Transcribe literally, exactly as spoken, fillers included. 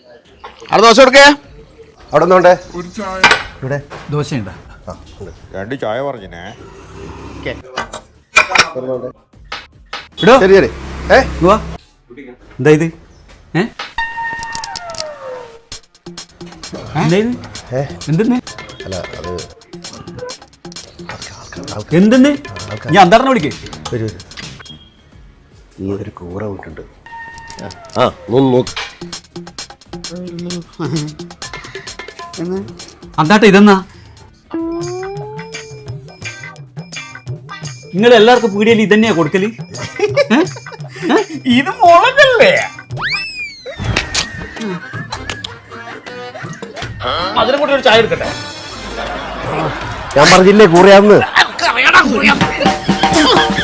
അവിടെ ദോശ കൊടുക്കേ. അവിടെ ഒന്നുണ്ടേ ഇവിടെ ദോശയുണ്ടോ? രണ്ട് ചായ പറഞ്ഞേ. ശരി ശരി. ഏ എന്താ ഇത്? എന്തെന്ന് അല്ല അത് എന്തെന്ന് ഞാൻ അന്താറിനെ വിളിക്കേ. വരൂ വരൂ. നീ ഒരു കൂറ വിട്ടുണ്ട്. ആ നോക്ക് അന്താട്ട ഇതെന്നാ നിങ്ങൾ എല്ലാവർക്കും പീടിയയിൽ ഇതന്നെയാ കൊടുക്കല്? ഇത് മുളകല്ലേ? അതിനെ കൂടെ ഒരു ചായ എടുക്കട്ടെ. ഞാൻ പറഞ്ഞില്ലേ കൂറയാന്ന്.